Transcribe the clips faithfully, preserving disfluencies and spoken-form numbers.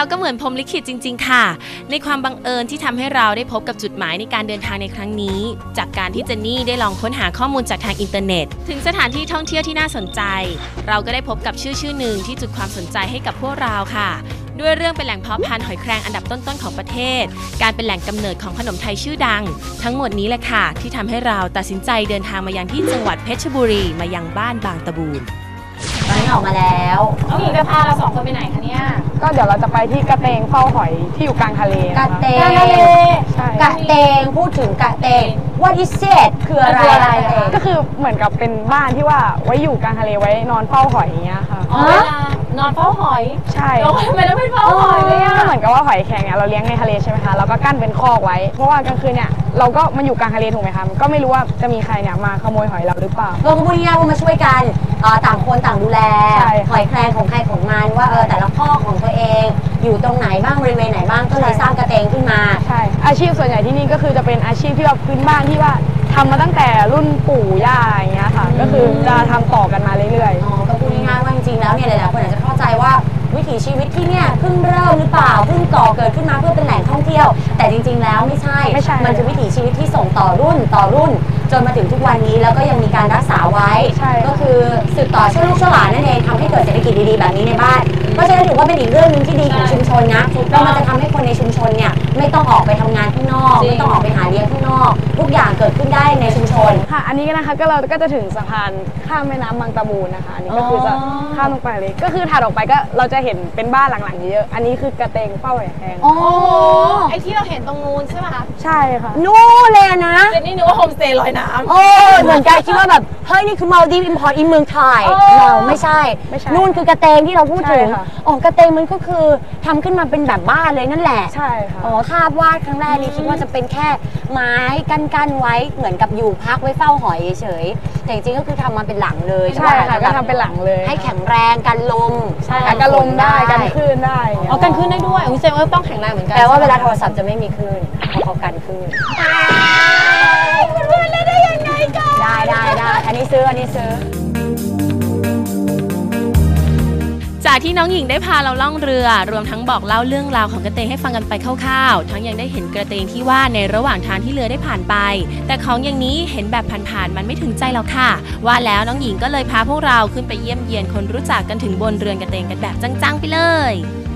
แล้วก็เหมือนพรหมลิขิตจริงๆค่ะในความบังเอิญที่ทำให้เราได้พบกับจุดหมายในการเดินทางในครั้งนี้จากการที่เจนนี่ได้ลองค้นหาข้อมูลจากทางอินเทอร์เน็ตถึงสถานที่ท่องเที่ยวที่น่าสนใจเราก็ได้พบกับชื่อชื่อหนึ่งที่จุดความสนใจให้กับพวกเราค่ะด้วยเรื่องเป็นแหล่งเพาะพันธุ์หอยแครงอันดับต้นๆของประเทศการเป็นแหล่งกำเนิดของขนมไทยชื่อดังทั้งหมดนี้แหละค่ะที่ทำให้เราตัดสินใจเดินทางมายังที่จังหวัดเพชรบุรีมายังบ้านบางตะบูนตอนนี้ออกมาแล้วน้องหญิงจะพาเราสองคนไปไหนคะเนี่ยก็เดี๋ยวเราจะไปที่กระเตงเฝ้าหอยที่อยู่กลางทะเลกระเตงใช่กระเตงพูดถึงกระเตง What is it คืออะไรก็คือเหมือนกับเป็นบ้านที่ว่าไว้อยู่กลางทะเลไว้นอนเฝ้าหอยอย่างเงี้ยค่ะอ๋อนอนเฝ้าหอยใช่ทำไมต้องเป็นเฝ้าหอยเลยอ่ะก็เหมือนกับว่าหอยแครงเนี่ยเราเลี้ยงในทะเลใช่ไหมคะเราก็กั้นเป็นคอกไว้เพราะว่ากลางคืนเนี่ยเราก็มาอยู่กลางทะเลถูกไหมคะก็ไม่รู้ว่าจะมีใครเนี่ยมาขโมยหอยเราหรือเปล่าเราก็พูดง่ายๆว่ามาช่วยกันต่างคนต่างดูแลหอยแครงของใครของมันว่าเออแต่ละคอกของตัวเองอยู่ตรงไหนบ้างบริเวณไหนบ้างก็เลยสร้างกระเตงขึ้นมาใช่อาชีพส่วนใหญ่ที่นี่ก็คือจะเป็นอาชีพที่แบบพื้นบ้านที่ว่าทำมาตั้งแต่รุ่นปู่ย่าอย่างเงี้ยค่ะก็คือจะทำต่อกันมาเรื่อยๆอ๋อก็พูดง่ายๆว่าจริงๆแล้วเนี่ยหลายๆคนอาจจะเข้าใจว่าวิถีชีวิตที่เนี่ยเพิ่งเริ่มหรือเปล่าเพิ่งก่อเกิดขึ้นมาเพื่อเป็นแหล่งท่องเที่ยวแต่จริงๆแล้วไม่ใช่มันคือวิถีชีวิตที่ส่งต่อรุ่นต่อรุ่นจนมาถึงทุกวันนี้แล้วก็ยังมีการรักษาไว้ก็คือสืบต่อช่วยลูกช่วยหลานนั่นเองทำให้เกิดเศรษฐกิจดีๆแบบนี้ในบ้านเพราะฉะนั้นถือว่าเป็นอีกเรื่องนึงที่ดีของชุมชนนะแล้วมันจะทำให้คนในชุมชนเนี่ยไม่ต้องออกไปทำงานข้างนอกไม่ต้องออกไปหาเลี้ยงข้างนอกทุกอย่างเกิดขึ้นได้ในชุมชนค่ะอันนี้นะคะก็เราก็จะถึงสะพานข้ามแม่น้ำบางตะบูนนะคะอันนี้ก็คือจะข้ามลงไปเลยก็คือถัดออกไปก็เราจะเห็นเป็นบ้านหลังๆเยอะอันนี้คือกระเตงเฝ้าหอยแครงโอ้ไอที่เราเห็นตรงนู้นใช่ไหมคะใช่ค่ะนู่นเลยนะเจนนี่นึกว่าโฮมสเตย์ลอยน้ำโอ้เหมือนกันคิดว่าแบบเฮ้ยนี่คือมาลดีฟอิมพอร์ตอินเมืองไทยเราไม่ใช่นู่นคือกระเตงที่เราพูดถึงอ๋อกระเตงมันก็คือทำขึ้นมาเป็นแบบบ้านเลยนั่นแหละใช่ค่ะอ๋อภาพวาดครั้งแรกนี่คิดว่าจะเป็นแค่ไม้กั้นๆไว้เหมือนกับอยู่พักไว้เฝ้าหอยเฉยแต่จริงๆก็คือทำมาเป็นหลังเลยใช่ค่ะก็ทำเป็นหลังเลยให้แข็งแรงกันลมใช่กันลมได้กันคลื่นได้อ๋อกันคลื่นได้ด้วยอุ้ยแสดงว่าต้องแข็งแรงเหมือนกันแปลว่าเวลาโทรศัพท์จะไม่มีคลื่นเพราะเขากันคลื่นคุณพูดเล่นได้ยังไงกันได้ได้ได้อันนี้ซื้ออันนี้ซื้อจากที่น้องหญิงได้พาเราล่องเรือรวมทั้งบอกเล่าเรื่องราวของกระเตงให้ฟังกันไปคร่าวๆทั้งยังได้เห็นกระเตงที่ว่าในระหว่างทางที่เรือได้ผ่านไปแต่ของอย่างนี้เห็นแบบผ่านๆมันไม่ถึงใจหรอกค่ะว่าแล้วน้องหญิงก็เลยพาพวกเราขึ้นไปเยี่ยมเยียนคนรู้จักกันถึงบนเรือนกระเตงกันแบบจังๆไปเลย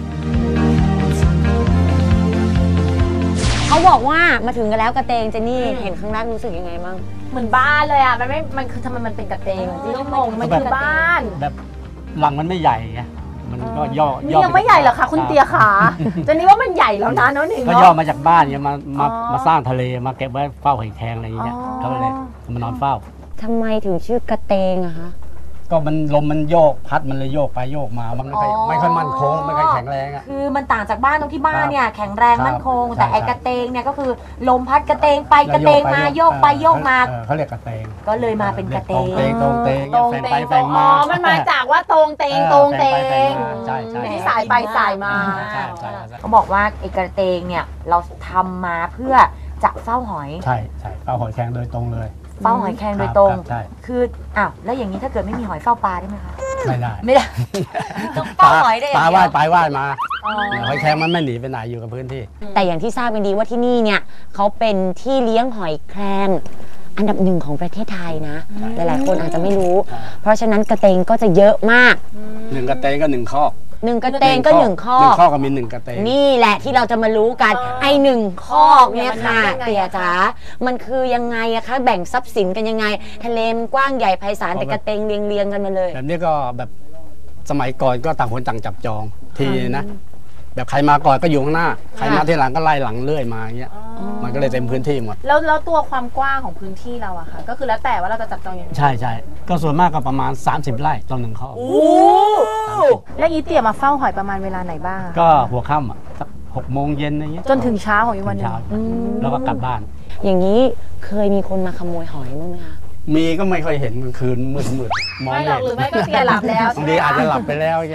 เขาบอกว่ามาถึงกันแล้วกระเตงเจนนี่เห็นข้างล่างรู้สึกยังไงบ้างเหมือนบ้านเลยอ่ะมันไม่มันคือทำไมมันเป็นกระเตงที่ต้องงงมันคือบ้านแบบหลังมันไม่ใหญ่ไงมันก็ย่อนี่ยังไม่ใหญ่หรอคะคุณเตียขาเจนนี่ว่ามันใหญ่แล้วนะน้องหนึ่งก็ย่อมาจากบ้านเนี่ยมามามาสร้างทะเลมาเก็บไว้เฝ้าหอยแครงอะไรอย่างเงี้ยก็เลยมานอนเฝ้าทำไมถึงชื่อกระเตงอะคะก็มันลมมันโยกพัดมันเลยโยกไปโยกมามันไม่ค่อยไม่ค่อยมั่นคงไม่ค่อยแข็งแรงอ่ะคือมันต่างจากบ้านตรงที่บ้านเนี่ยแข็งแรงมั่นคงแต่ไอ้กระเตงเนี่ยก็คือลมพัดกระเตงไปกระเตงมาโยกไปโยกมาเขาเรียกกระเตงก็เลยมาเป็นกระเตงตรงเตงตรงเตงตรงเตงตรงมามันมาจากว่าตรงเตงตรงเตงใช่ใช่ที่สายไปสายมาเขาบอกว่าไอ้กระเตงเนี่ยเราทำมาเพื่อจะเฝ้าหอยใช่ใช่เฝ้าหอยแครงโดยตรงเลยเฝ้าหอยแครงโดยตรงคืออ้าวแล้วอย่างนี้ถ้าเกิดไม่มีหอยเฝ้าปลาได้ไหมคะไม่ได้ไม่ได้ต้องเฝ้าหอยได้ปลาว่ายไปว่ายมาหอยแครงมันไม่หนีไปไหนอยู่กับพื้นที่แต่อย่างที่ทราบกันดีว่าที่นี่เนี่ยเขาเป็นที่เลี้ยงหอยแครงอันดับหนึ่งของประเทศไทยนะหลายๆคนอาจจะไม่รู้เพราะฉะนั้นกระเตงก็จะเยอะมากหนึ่งกระเตงก็หนึ่งคอกหนึ่งกระเตงก็หนึ่งข้อหนึ่งข้อก็มีหนึ่งกระเตงนี่แหละที่เราจะมารู้กันไอหนึ่งข้อเนี่ยค่ะเตี่ยจ๋ามันคือยังไงอะคะแบ่งทรัพย์สินกันยังไงทะเลมันกว้างใหญ่ไพศาลแต่กระเตงเรียงเรียงกันมาเลยแบบนี้ก็แบบสมัยก่อนก็ต่างคนต่างจับจองทีนะแบบใครมาก่อนก็อยู่ข้างหน้าใครมาทีหลังก็ไล่หลังเรื่อยมาอย่างเงี้ยมันก็เลยเต็มพื้นที่หมดแล้วแล้วตัวความกว้างของพื้นที่เราอะค่ะก็คือแล้วแต่ว่าเราจะจับจองยังไงใช่ใช่ก็ส่วนมากก็ประมาณสามสิบไร่ต่อหนึ่งข้อแล้วอีเตี่ยมาเฝ้าหอยประมาณเวลาไหนบ้างก็หัวค่ำอ่ะสักหกโมงเย็นอะไรเงี้ยจนถึงเช้าของอีกวันนึงแล้วก็กลับบ้านอย่างนี้เคยมีคนมาขโมยหอยบ้างไหมคะมีก็ไม่ค่อยเห็นกลางคืนมืดมืดมองไม่หรอกหรือไม่ก็เตี่ยหลับแล้วบางทีอาจจะหลับไปแล้วเนี่ย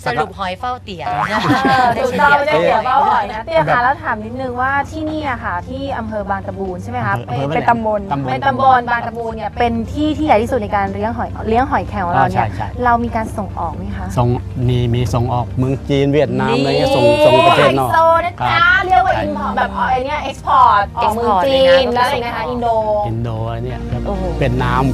สรุปหอยเฝ้าเตี๋ยถูกต้องไม่ได้เตี๋ยวเป้าหอยนะเตี๋ยค่ะแล้วถามนิดนึงว่าที่นี่อะค่ะที่อำเภอบางตะบูนใช่ไหมคะเป็นตำบลเป็นตำบลบางตะบูนเนี่ยเป็นที่ที่ใหญ่ที่สุดในการเลี้ยงหอยเลี้ยงหอยแครงของเราเนี่ยเรามีการส่งออกไหมคะส่งมีมีส่งออกเมืองจีนเวียดนามอะไรเงี้ยส่งส่งประเทศนอกไฮโซนะจ๊ะเรียกว่าอินพอร์ตแบบไอ้นี่เอ็กซ์พอร์ตออกเมืองจีนแล้วอะไรนะคะอินโดอินโดอะไรเนี่ยเวียดนาม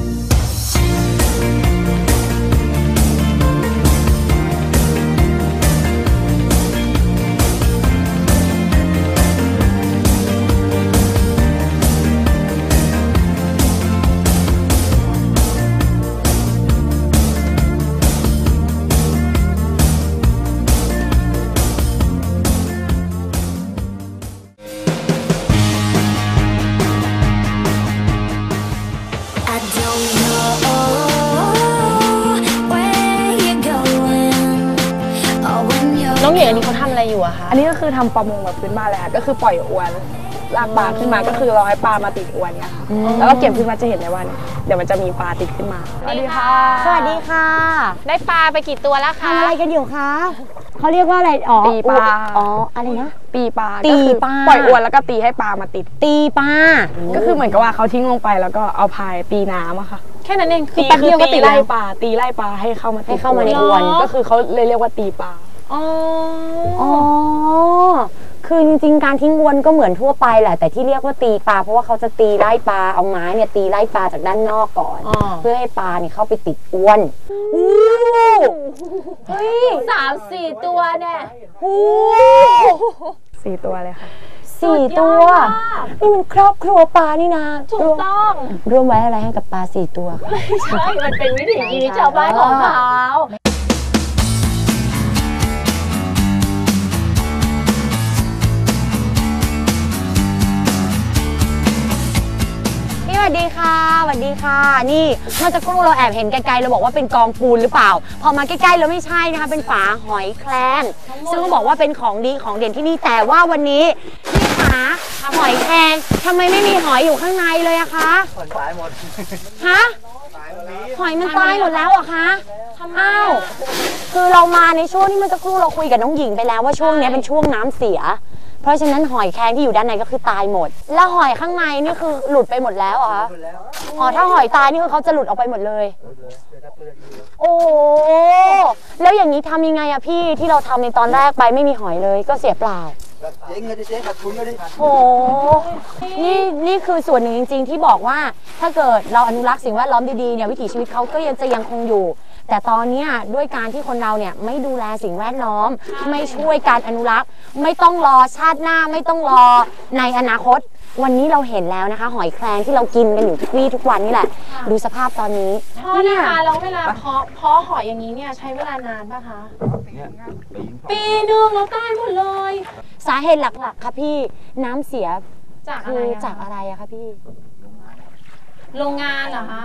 น้องหญิงอันนี้เขาทำอะไรอยู่อะคะอันนี้ก็คือทำประมงแบบพื้นบ้านเลยค่ะก็คือปล่อยอวนลากปลาขึ้นมาก็คือรอให้ปลามาติดอวนเนี่ยค่ะแล้วก็เก็บขึ้นมาจะเห็นได้ว่าเดี๋ยวมันจะมีปลาติดขึ้นมาสวัสดีค่ะสวัสดีค่ะได้ปลาไปกี่ตัวแล้วคะทำอะไรกันอยู่คะเขาเรียกว่าอะไรอ๋อตีปลาอ๋ออะไรนะตีปลาตีปลาปล่อยอวนแล้วก็ตีให้ปลามาติดตีปลาก็คือเหมือนกับว่าเขาทิ้งลงไปแล้วก็เอาพายตีน้ำอะค่ะแค่นั้นเองคือแป๊บเดียวก็ตีไล่ปลาตีไล่ปลาให้เข้ามาให้เข้ามาในอวนก็คือเขาเลยเรียกว่าตีปลาอ๋ออ๋อคือจริงๆการทิ้งอวนก็เหมือนทั่วไปแหละแต่ที่เรียกว่าตีปลาเพราะว่าเขาจะตีไล่ปลาเอาไม้เนี่ยตีไล่ปลาจากด้านนอกก่อนเพื่อให้ปลาเนี่ยเข้าไปติดอวนเฮ้ยสามสี่ตัวเนี่ยสี่ตัวเลยค่ะสี่ตัวนี่มันครอบครัวปลานี่นะถูกต้องร่วมไว้อะไรให้กับปลาสี่ตัวไม่ใช่มันเป็นวิถีชีวิตชาวบ้านของเขาสวัสดีค่ะสวัสดีค่ะนี่เมื่อสักครู่เราแอบเห็นไกลๆเราบอกว่าเป็นกองปูนหรือเปล่าพอมาใกล้ๆเราไม่ใช่นะคะเป็นฝาหอยแครงซึ่งเขาบอกว่าเป็นของดีของเด่นที่นี่แต่ว่าวันนี้พี่ขาหอยแครงทำไมไม่มีหอยอยู่ข้างในเลยอะคะหอยตายหมดฮะหอยมันตายหมดแล้วอะคะอ้าวคือเรามาในช่วงที่เมื่อสักครู่เราคุยกับน้องหญิงไปแล้วว่าช่วงนี้เป็นช่วงน้ำเสียเพราะฉะนั้นหอยแครงที่อยู่ด้านในก็คือตายหมดแล้วหอยข้างในนี่คือหลุดไปหมดแล้วเหรอคะอ๋อถ้าหอยตายนี่คือเขาจะหลุดออกไปหมดเลยโอ้แล้วอย่างนี้ทำยังไงอะพี่ที่เราทำในตอนแรกไปไม่มีหอยเลยก็เสียเปล่าเจ๊งเลยเจ๊ขาดทุนเลยโอ้นี่นี่คือส่วนหนึ่งจริงๆที่บอกว่าถ้าเกิดเราอนุรักษ์สิ่งแวดล้อมดีๆเนี่ยวิถีชีวิตเขาก็ยังจะยังคงอยู่แต่ตอนนี้ด้วยการที่คนเราเนี่ยไม่ดูแลสิ่งแวดล้อมไม่ช่วยการอนุรักษ์ไม่ต้องรอชาติหน้าไม่ต้องรอในอนาคตวันนี้เราเห็นแล้วนะคะหอยแครงที่เรากินกันอยู่ทุกวี่ทุกวันนี่แหละดูสภาพตอนนี้พ่อนะคะแล้วเวลาเพาะเพาะหอยอย่างนี้เนี่ยใช้เวลานานป่ะคะปีหนึ่งแล้วตายหมดเลยสาเหตุหลักๆค่ะพี่น้ำเสียจากอะไรจากอะไรอะคะพี่โรงงานเหรอคะ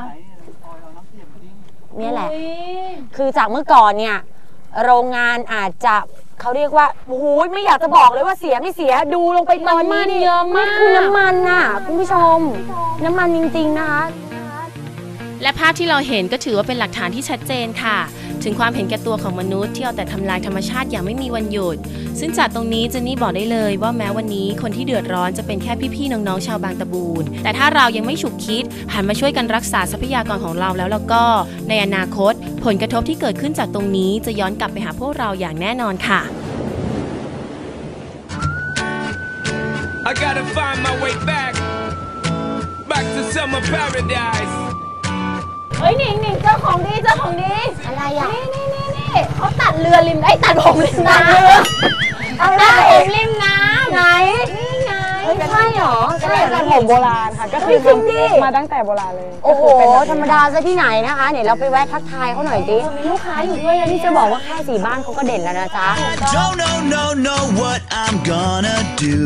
นี่แหละคือจากเมื่อก่อนเนี่ยโรงงานอาจจะเขาเรียกว่าโอ้โหไม่อยากจะบอกเลยว่าเสียไม่เสียดูลงไปตอนนี้นี่เยอะมากคือน้ำมันน่ะคุณผู้ชมน้ำมันจริงๆนะคะและภาพที่เราเห็นก็ถือว่าเป็นหลักฐานที่ชัดเจนค่ะถึงความเห็นแก่ตัวของมนุษย์ที่เอาแต่ทำลายธรรมชาติอย่างไม่มีวันหยุดซึ่งจากตรงนี้เจนนี่บอกได้เลยว่าแม้วันนี้คนที่เดือดร้อนจะเป็นแค่พี่ๆน้องๆชาวบางตะบูนแต่ถ้าเรายังไม่ฉุกคิดหันมาช่วยกันรักษาทรัพยากรของเราแล้วแล้วก็ในอนาคตผลกระทบที่เกิดขึ้นจากตรงนี้จะย้อนกลับไปหาพวกเราอย่างแน่นอนค่ะ I gotta find my way back back to summer paradise เฮ้ยหนิงหนิงเจ้าของดีเจ้าของดีอะไรอ่ะนี่นี่นี่นี่เขาตัดเรือริมไอ้ตัดผมริมน้ำตัดผมริมน้ำไหนนี่ไงใช่หรอใช่ตัดผมโบราณค่ะก็คือมาตั้งแต่โบราณเลยโอ้โหธรรมดาซะที่ไหนนะคะเนี่ยเราไปแวะทักทายเขาหน่อยดิมีลูกค้าอยู่ด้วยนี่จะบอกว่าแค่สีบ้านเขาก็เด่นแล้วนะจ๊ะ Don't know know know what I'm gonna do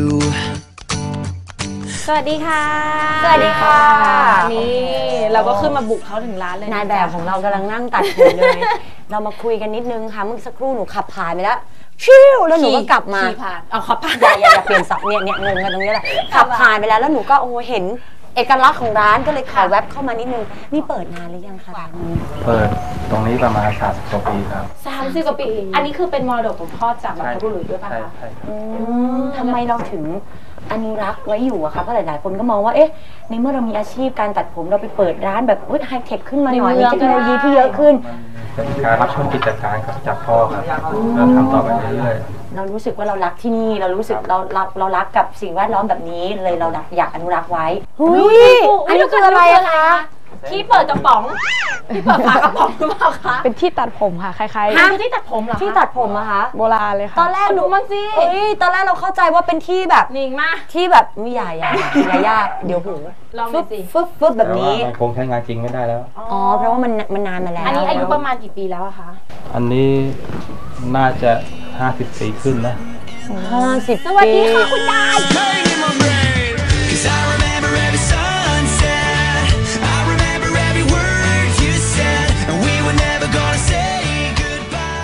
สวัสดีค่ะสวัสดีค่ะนี่เราก็ขึ้นมาบุกเขาถึงร้านเลยนายแบบของเรากำลังนั่งตัดผมเลยเรามาคุยกันนิดนึงค่ะเมื่อสักครู่หนูขับผ่านไปแล้วชิวแล้วหนูก็กลับมาเอาขับผ่านอย่าอย่าเปลี่ยนสับเนี่ยเนี่ยงงกันตรงนี้แหละขับผ่านไปแล้วแล้วหนูก็โอ้เห็นเอกลักษณ์ของร้านก็เลยขอแวบเข้ามานิดนึงนี่เปิดนานหรือยังคะร้านนี้เปิดตรงนี้ประมาณสามสิบกว่าปีครับสามสิบกว่าปี อันนี้คือเป็นมรดกของพ่อจากบรรพบุรุษด้วยป่ะใช่คะใช่ครับอืมทำไมเราถึงอนุรักษ์ไว้อยู่อะคะเพราะหลายๆคนก็มองว่าเอ๊ะในเมื่อเรามีอาชีพการตัดผมเราไปเปิดร้านแบบไฮเทคขึ้นมาหน่อยมีเทคโนโลยีที่เยอะขึ้นมันเป็นการรับช่วงกิจการครับจากพ่อครับเราทำต่อไปเรื่อยเรารู้สึกว่าเรารักที่นี่เรารู้สึกเราเราเรารักกับสิ่งแวดล้อมแบบนี้เลยเราอยากอนุรักษ์ไว้เฮ้ยอันนี้คืออะไรอะคะที่เปิดกระป๋อง ที่เปิดฝากระป๋องหรือเปล่าคะเป็นที่ตัดผมค่ะคล้ายอันนี้ที่ตัดผมเหรอคะที่ตัดผมอะคะๆโบราณเลยค่ะตอนแรกหนูมั่งสิเอ้ยตอนแรกเราเข้าใจว่าเป็นที่แบบนิ่งมากที่แบบไม่ใหญ่ใหญ่ใหญ่ยากเดี๋ยวหูลองดูฟึบสิฟึบฟึบๆแบบแต่ว่านี้มันคงใช้งานจริงไม่ได้แล้วอ๋อเพราะว่ามันมันนานมาแล้วอันนี้อายุประมาณกี่ปีแล้วอะคะอันนี้น่าจะห้าสิบปีขึ้นนะห้าสิบสวัสดีค่ะคุณยาย Cause I remember every sunset, I remember every word you said, and we were never gonna say goodbye.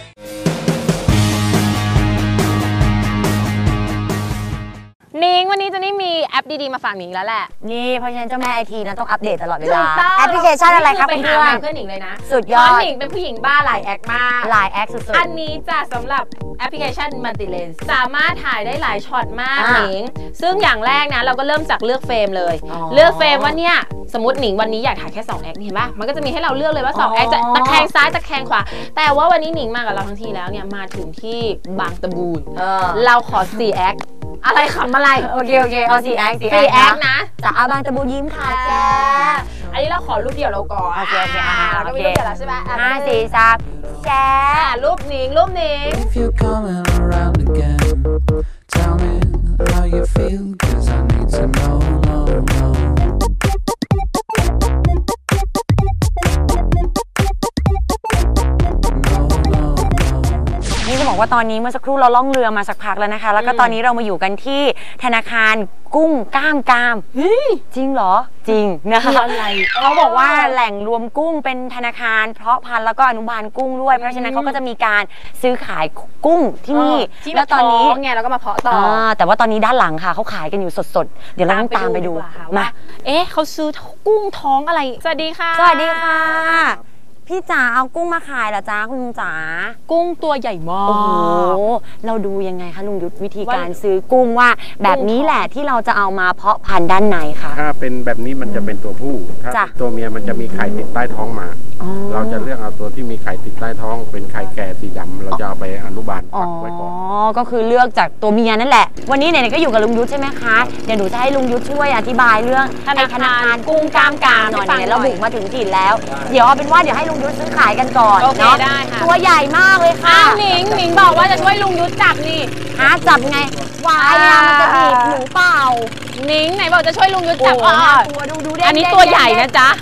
นิ้งวันนี้เจะนี่มีแอปดีๆมาฝากนิ้งแล้วแหละนี่เพราะฉะนั้นเจ้าแม่ไอทีนะต้องอัปเดตตลอดเวถูลากต้องแอปพลิเคชันอะไรครับไปเพื่หาอมาน เพื่อนหนิงเลยนะสุดยอดเพราะหนิงเป็นผู้หญิงบ้าหลายแอคมากไลน์แอคสุดอันนี้จะสำหรับแอปพลิเคชันมัลติเลนส์สามารถถ่ายได้หลายช็อตมากอ่าหนิง ซึ่งอย่างแรกนะเราก็เริ่มจากเลือกเฟรมเลยอ๋อเลือกเฟรมว่าเนี่ยสมมติหนิงวันนี้อยากถ่ายแค่สองแอคเห็นปะมันก็จะมีให้เราเลือกเลยว่าสองอ๋อแอคจะตะแคงซ้ายตะแคงขวา แต่ว่าวันนี้หนิงมากับเราทั้งทีแล้วเนี่ยมาถึงที่บางตะบูนๆเออเราขอสี่แอคอะไรขำอะไรโอเคโอเคเอาสี่แอคสี่แอคนะจากอาบางตะบูยิ้มค่ะแจ๊อันนี้เราขอรูปเดียวเราก่อนโอเคโอเคอ่าเราก็มีโอเครูปเดียวแล้วใช่ไหมอ่ะห้าสี่สามแจ๊อ่ะรูปหนิงรูปหนิง If you're coming around again, tell me how you feel, cause I need to know, know, know. นี่จะบอกว่าตอนนี้เมื่อสักครู่เราล่องเรือมาสักพักแล้วนะคะ แล้วก็ตอนนี้เรามาอยู่กันที่ธนาคารกุ้งกล้ามกรามจริงเหรอจริงนะคะคืออะไรเขาบอกว่าแหล่งรวมกุ้งเป็นธนาคารเพาะพันธุ์แล้วก็อนุบาลกุ้งด้วย เพราะฉะนั้นเขาก็จะมีการซื้อขายกุ้งที่นี่ที่แล้วตอนนี้ไงเราก็มาเพาะต่ออ่าแต่ว่าตอนนี้ด้านหลังค่ะเขาขายกันอยู่สดๆ เดี๋ยวเราต้องตามไปดูดีกว่ค่ะมาว่าเอ๊ะเขาซื้อกุ้งท้องอะไร สวัสดีค่ะสวัสดีค่ะ พี่จ๋าเอากุ้งมาขายเหรอจ๊ะคุณลุงจ๋ากุ้งตัวใหญ่มาโอ้โหกเราดูยังไงคะลุงยุทธวิธีการว่าซื้อกุ้งว่าแบบนี้แหละที่เราจะเอามาเพาะพันธุ์ด้านในค่ะถ้าเป็นแบบนี้มันจะเป็นตัวผู้ ถ้าจ้ะเป็นตัวเมียมันจะมีไข่ติดใต้ท้องมาอ๋อเราจะเลือกเอาตัวที่มีไข่ติดใต้ท้อง เป็นไข่แก่สีดำเราจะเอาไปอนุบาลอ๋อฟักไว้ก่อนก็คือเลือกจากตัวเมียนั่นแหละ วันนี้ไหนๆก็อยู่กับลุงยุทธใช่ไหมคะ เดี๋ยวหนูจะให้ลุงยุทธช่วยอธิบายเรื่องธนาคารไอ้ธนาคารกุ้งกล้ามกรามหน่อยให้ฟังเนี่ยเราหน่อยบุกมาถึงถิ่นแล้ว เดี๋ยวเอาเป็นว่าเดี๋ยวให้ลุงยุทธซื้อขายกันก่อนโอเคเนาะได้ค่ะตัวใหญ่มากเลยค่ะอ้าวหนิงหนิงบอกว่าจะช่วยลุงยุทธจับนี่หาจับไงวายอะมันจะบีบหนูเปล่าหนิงไหนบอกจะช่วยลุงยุทธจับโอ้อ่ะโหตัวดูดูเด้งอันนี้เด้งตัวใหญ่เด้งนะจ๊ะ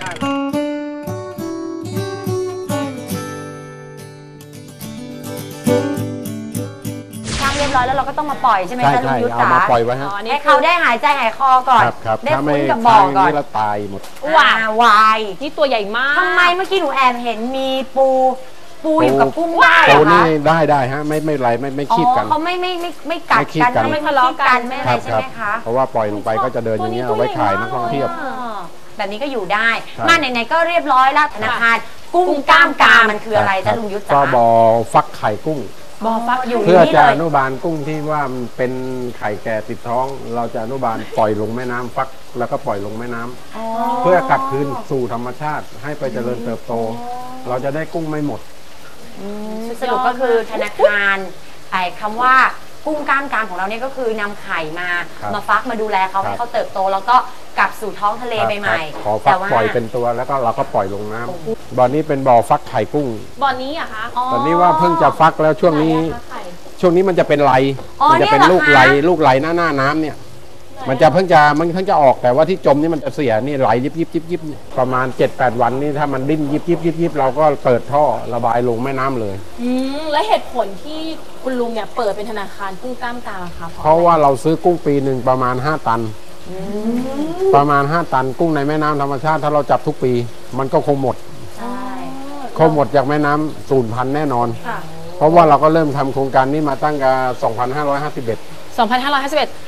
ช่างเรียบร้อยแล้วเราก็ต้องมาปล่อยใช่ไหมใช่คะลุงใช่ยุทธเอาจ๋ามาปล่อยไว้ฮะอ๋อนี่ให้เขาได้หายใจหายคอก่อนครับครับได้ถ้าไม่คุ้นกับบ่อทางก่อนนี้เราตายหมดว้าอ่าวายนี่ตัวใหญ่มากทำไมเมื่อกี้หนูแอบเห็นมีปูปูอยู่กับกุ้งได้เหรโอ้อนี่คะได้ได้ฮะไม่ไม่ไรไม่ไม่อ๋อคีบกันเขาไม่ไม่ไม่ไม่กัดไม่คีบกันกันไม่ทะเลาะกันไม่อะไรครับใช่ครับไหมคะเพราะว่าปล่อยลงไปก็จะเดินอย่างเงี้ยเอาไว้ขายนักท่องเที่ยวอ๋อแบบนี้ก็อยู่ได้ใช่มาไหนๆก็เรียบร้อยแล้วธนาคารกุ้งกล้ามกรามมันคืออะไรคจ๊ะบลุงยุทธก็จ๋าบ่อฟักไข่กุ้งบอฟักอยู่เพื่อนี่จะเลอย นุบาลกุ้งที่ว่ามันเป็นไข่แก่ติดท้อง เราจะอนุบาลปล่อยลงแม่น้ำฟักแล้วก็ปล่อยลงแม่น้ำเพื่อกลับคืนสู่ธรรมชาติให้ไปเจริญเติบโต เราจะได้กุ้งไม่หมดสรุปก็คือธนาคารไอ้คำว่ากุ้งกล้ามกรามของเราเนี่ยก็คือนำไข่มาครับมาฟักมาดูแลเขาครับให้เขาเติบโตแล้วก็กลับสู่ท้องทะเลครับใหม่ขอๆฟัแต่กว่าปล่อยเป็นตัวแล้วก็เราก็ปล่อยลงน้ำบ่อนี้เป็นบ่อฟักไข่กุ้งบ่อนี้เหรอะคะตอนนี้ว่าเพิ่งจะฟักแล้วช่วงนี้ ช่วงนี้มันจะเป็นไหลอ๋อมัจะเป็นเนี่ยเหรอลูกคะไหลลูกไหลหน้าหน้าน้ำเนี่ย มันจะเพิ่งจะมันเพิ่งจะออกแต่ว่าที่จมนี่มันจะเสียนี่ไหลยิบยิบยิบยิบประมาณ เจ็ดแปด วันนี่ถ้ามันดิ้นยิบยิบยิบยิบเราก็เปิดท่อระบายลงแม่น้ำเลยอืมและเหตุผลที่คุณลุงเนี่ยเปิดเป็นธนาคารกุ้งกล้ามกรามอะคะเพราะว่าเราซื้อกุ้งปีหนึ่งประมาณห้าตัน ประมาณห้าตันกุ้งในแม่น้ำธรรมชาติถ้าเราจับทุกปี มันก็คงหมดใช่คงหมดจากแม่น้ำสูญพันธุ์แน่นอนค่ะเพราะว่าเราก็เริ่มทำโครงการนี้มาตั้งแต่สองพันห้าร้อยห้าสิบเอ็ดสองพันห้าร้อยห้าสิบเอ็ด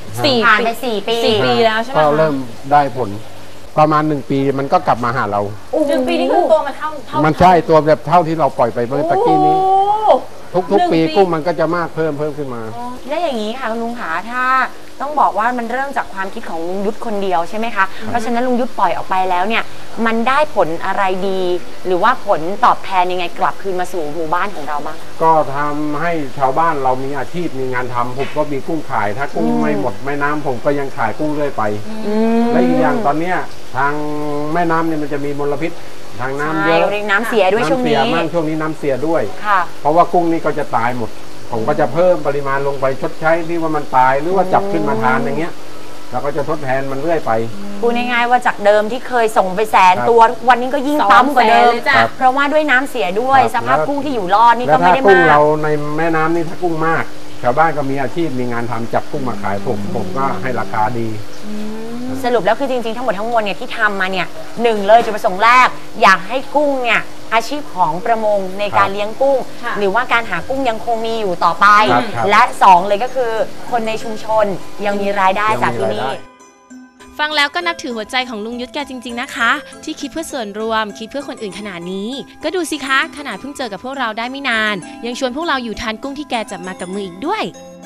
สี่ผ่านไปสี่ปีสี่ปีแล้วใช่ไหมก็คะเริ่มได้ผล ประมาณหนึ่งปีมันก็กลับมาหาเราหนึ่งปีนี่คือตัวมันเท่าเท่ามันใช่ตัวแบบเท่าที่เราปล่อยไปเมื่อตะกี้นี้โอ้ทุกหนึ่งๆ ปีปีกุ้งมันก็จะมากเพิ่มเพิ่มขึ้นมาและอย่างนี้ค่ะคุณลุงขาถ้าต้องบอกว่ามันเริ่มจากความคิดของลุงยุทธคนเดียวใช่ไหมคะเพราะฉะนั้นลุงยุทธปล่อยออกไปแล้วเนี่ยมันได้ผลอะไรดี หรือว่าผลตอบแทนยังไงกลับคืนมาสู่หมู่บ้านของเราบ้างก็ทำให้ชาวบ้านเรามีอาชีพมีงานทำผมก็มีกุ้งขาย ถ้ากุ้งไม่หมดแม่น้ำผมก็ยังขายกุ้งเรื่อยไป และอีกอย่างตอนเนี้ยทางแม่น้ำเนี่ยมันจะมีมลพิษทางน้ำเยอะใช่น้ำเสียด้วยช่วงนี้น้ำเสียมากช่วงนี้น้ำเสียด้วยค่ะเพราะว่ากุ้งนี่ก็จะตายหมด ผมก็จะเพิ่มปริมาณลงไปชดใช้ที่ว่ามันตายหรือว่าจับขึ้นมาทานอย่างเงี้ยเราก็จะทดแทนมันเรื่อยไปพูดง่ายๆว่าจากเดิมที่เคยส่งไปแสนครับตัวทุกวันนี้ก็ยิ่งปั๊มกว่าเดิมสองแสนเลยจ้ะเพราะว่าด้วยน้ำเสียด้วยครับสภาพแล้วกุ้งที่อยู่รอดนี่แล้ก็วไม่ถ้าได้กุ้งมากเราในแม่น้ำนี่ถ้ากุ้งมาก ชาวบ้านก็มีอาชีพมีงานทำจับกุ้งมาขายผมผมก็ให้ราคาดีสรุปแล้วคือจริงๆทั้งหมดทั้งมวลเนี่ยที่ทำมาเนี่ยหนึ่งเลยจุดประสงค์แรก อยากให้กุ้งเนี่ยอาชีพของประมงในการเลี้ยงกุ้งค่ะหรือว่าการหากุ้งยังคงมีอยู่ต่อไปครับครับและสองเลยก็คือคนในชุมชนยังมีรายได้จากที่นี่ฟังแล้วก็นับถือหัวใจของลุงยุทธแกจริงๆนะคะ ที่คิดเพื่อส่วนรวมคิดเพื่อคนอื่นขนาดนี้ ก็ดูสิคะขนาดเพิ่งเจอกับพวกเราได้ไม่นาน ยังชวนพวกเราอยู่ทานกุ้งที่แกจับมากับมืออีกด้วย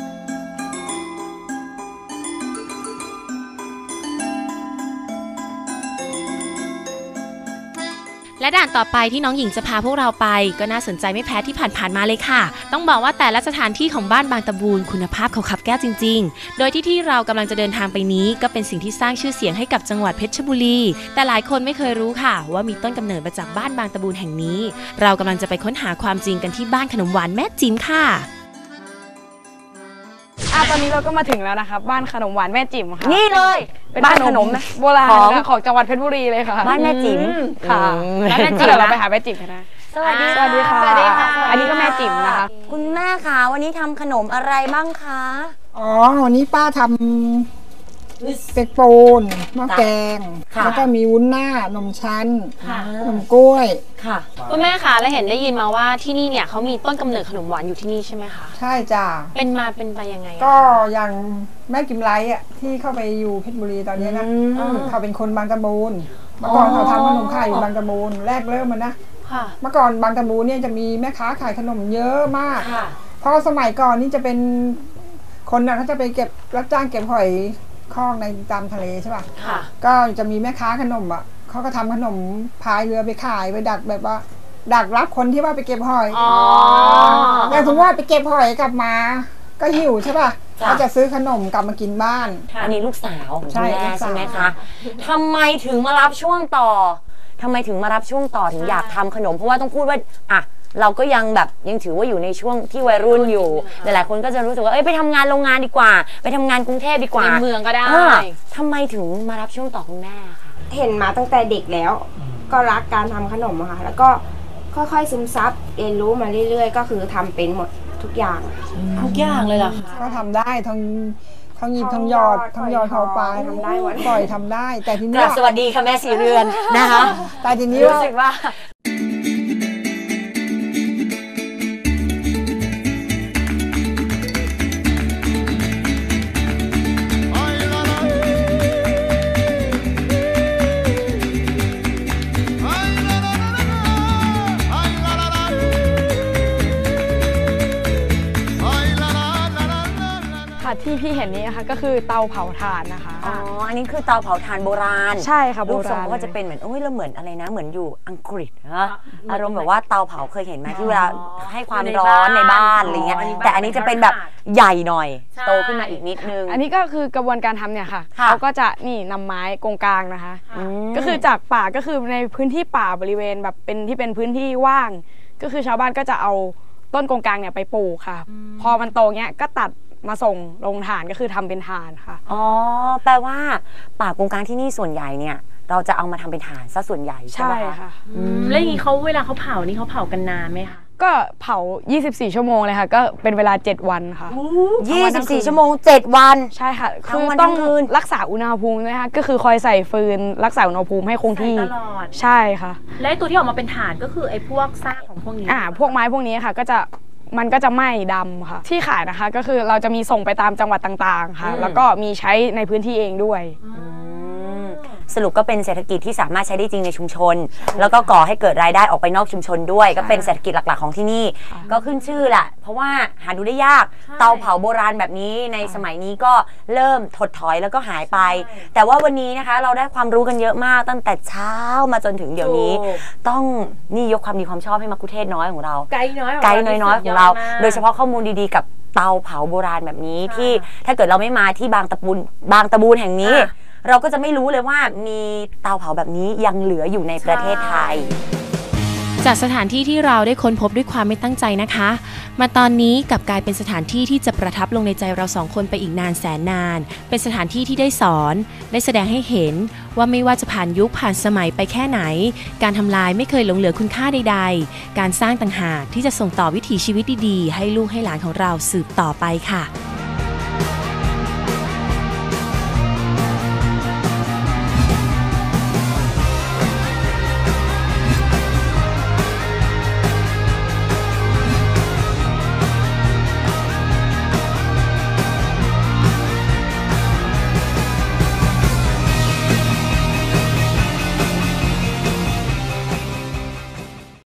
และด่านต่อไปที่น้องหญิงจะพาพวกเราไปก็น่าสนใจไม่แพ้ที่ผ่านๆมาเลยค่ะ ต้องบอกว่าแต่ละสถานที่ของบ้านบางตะบูนคุณภาพเขาขับแก้วจริงๆ โดยที่ที่เรากำลังจะเดินทางไปนี้ก็เป็นสิ่งที่สร้างชื่อเสียงให้กับจังหวัดเพชรบุรี แต่หลายคนไม่เคยรู้ค่ะ ว่ามีต้นกำเนิดมาจากบ้านบางตะบูนแห่งนี้ เรากำลังจะไปค้นหาความจริงกันที่บ้านขนมหวานแม่จิ๋มค่ะอ่ะตอนนี้เราก็มาถึงแล้วนะคะบ้านขนมหวานแม่จิ๋มค่ะนี่เลยเป็นบ้านขนมโบราณของของจังหวัดเพชรบุรีเลยค่ะบ้านแม่จิ๋มค่ะอืมแล้วแม่จิ๋มเดี๋ยวเราไปหาแม่จิ๋มกันนะสวัสดีสวัสดีค่ะสวัสดีค่ะอันนี้ก็แม่จิ๋มนะคะคุณแม่คะวันนี้ทำขนมอะไรบ้างคะอ๋อ วันนี้ป้าทำเป็กปูนหม้อแกงค่ะแล้วก็มีวุ้นหน้านมชั้นค่ะนมกล้วยค่ะคุณแม่คะและเห็นได้ยินมาว่าที่นี่เนี่ยเขามีต้นกำเนิดขนมหวานอยู่ที่นี่ใช่ไหมคะใช่จ้ะเป็นมาเป็นไปยังไงอะก็อย่างแม่กิมไลท์อ่ะที่เข้าไปอยู่เพชรบุรีตอนนี้นะอืมเขาเป็นคนบางตะบูนเมื่อก่อนเขาทำขนมขายอยู่บางตะบูนแรกเริ่มมันนะค่ะเมื่อก่อนบางตะบูนเนี่ยจะมีแม่ค้าขายขนมเยอะมากค่ะเพราะสมัยก่อนนี่จะเป็นคนนะเขาจะไปเก็บรับจ้างเก็บหอยคลองในตามทะเลใช่ป่ะค่ะก็จะมีแม่ค้าขนมอ่ะเขาก็ทำขนมพายเรือไปขายไปดักแบบว่า ดักรับคนที่ว่าไปเก็บหอยอ๋อแต่สมมติว่าไปเก็บหอยกลับมา ก็หิวใช่ป่ะจ้ะก็จะซื้อขนมกลับมากินบ้านอันนี้ลูกสาวของใช่คุณแม่ลูกสาวใช่ไหมคะทำไมถึงมารับช่วงต่อทำไมถึงมารับช่วงต่อถึงอยากทำขนม เพราะว่าต้องพูดว่าอ่ะเราก็ยังแบบยังถือว่าอยู่ในช่วงที่วัยรุ่นอยู่หลายๆคนก็จะรู้สึกว่าเอ้ยไปทำงานโรงงานดีกว่า ไปทำงานกรุงเทพดีกว่าในเมืองก็ได้อ่าทำไมถึงมารับช่วงต่อคุณแม่คะเห็นมาตั้งแต่เด็กแล้ว ก็รักการทำขนมอะค่ะ แล้วก็ค่อยๆซึมซับเรียนรู้มาเรื่อยๆ ก็คือทำเป็นหมดทุกอย่างทุกอย่างเลยเหรอคะก็ทำได้ทั้งทั้งหยิบทั้งหยอดทั้งหยอดเขาปลาทำได้หมดปล่อยทำได้ แต่ทีกนี้ราบสวัสดีค่ะแม่สีเรือนนะคะแต่ทีนี้รู้ว่าสึกว่าค่ะที่พี่เห็นนี้นะคะก็คือเตาเผาถ่านนะคะอ๋อ อันนี้คือเตาเผาถ่านโบราณใช่ค่ะโบรูปทรงราณก็จะเป็นเหมือนโอ้ยเราเหมือนอะไรนะ เหมือนอยู่อังกฤษนะอารมณ์แบบว่าเตาเผาเคยเห็นไหมที่เวลาให้ความร้อนในบ้านอะไรเงี้ย แต่อันนี้จะเป็นแบบใหญ่หน่อย โตขึ้นมาอีกนิดนึงอันนี้ก็คือกระบวนการทำเนี่ยค่ะค่ะเขาก็จะนี่นำไม้กงกลางนะคะมก็คือจากป่าก็คือในพื้นที่ป่าบริเวณแบบเป็นที่เป็นพื้นที่ว่าง ก็คือชาวบ้านก็จะเอาต้นกงกลางเนี่ยไปปลูกค่ะ พอมันโตเงี้ยก็ตัดมาส่งลงถ่านก็คือทำเป็นถ่านค่ะอ๋อ แปลว่าป่ากงกลางที่นี่ส่วนใหญ่เนี่ย เราจะเอามาทำเป็นถ่านซะส่วนใหญ่ใช่ใช่ไหมคะค่ะอืมแล้วอย่างนี้เขาเวลาเขาเผานี่เขาเผากันนานไหมคะก็เผา ยี่สิบสี่ ชั่วโมงเลยค่ะ ก็เป็นเวลา เจ็ด วันค่ะยี่สิบสี่ ชั่วโมง เจ็ด วันใช่ค่ะทั้งคือวันต้องทั้งคืนรักษาอุณหภูมินะคะก็คือคอยใส่ฟืนรักษาอุณหภูมิให้คงที่ใส่ตลอดใช่ค่ะและไอ้ตัวที่ออกมาเป็นถ่านก็คือไอ้พวกซากของพวกนี้อ่าพวกไม้พวกนี้ค่ะ ก็จะมันก็จะไหม้ดำค่ะที่ขายนะคะก็คือเราจะมีส่งไปตามจังหวัดต่างๆค่ะแล้วก็มีใช้ในพื้นที่เองด้วยสรุปก็เป็นเศรษฐกิจที่สามารถใช้ได้จริงในชุมชนแล้วก็ก่อให้เกิดรายได้ออกไปนอกชุมชนด้วยก็เป็นเศรษฐกิจหลักๆของที่นี่ก็ขึ้นชื่อแหละเพราะว่าหาดูได้ยากเตาเผาโบราณแบบนี้ในสมัยนี้ก็เริ่มถดถอยแล้วก็หายไปแต่ว่าวันนี้นะคะเราได้ความรู้กันเยอะมากตั้งแต่เช้ามาจนถึงเดี๋ยวนี้ต้องนี่ยกความดีความชอบให้มักคุเทศน้อยของเราไกด์น้อยไกด์น้อยๆของเราโดยเฉพาะข้อมูลดีๆกับเตาเผาโบราณแบบนี้ที่ถ้าเกิดเราไม่มาที่บางตะบูนบางตะบูนแห่งนี้เราก็จะไม่รู้เลยว่ามีเตาเผาแบบนี้ยังเหลืออยู่ในประเทศไทยจากสถานที่ที่เราได้ค้นพบด้วยความไม่ตั้งใจนะคะมาตอนนี้กลับกลายเป็นสถานที่ที่จะประทับลงในใจเราสองคนไปอีกนานแสนนานเป็นสถานที่ที่ได้สอนได้แสดงให้เห็นว่าไม่ว่าจะผ่านยุคผ่านสมัยไปแค่ไหนการทำลายไม่เคยหลงเหลือคุณค่าใดๆการสร้างต่างหากที่จะส่งต่อวิถีชีวิตดีๆให้ลูกให้หลานของเราสืบต่อไปค่ะ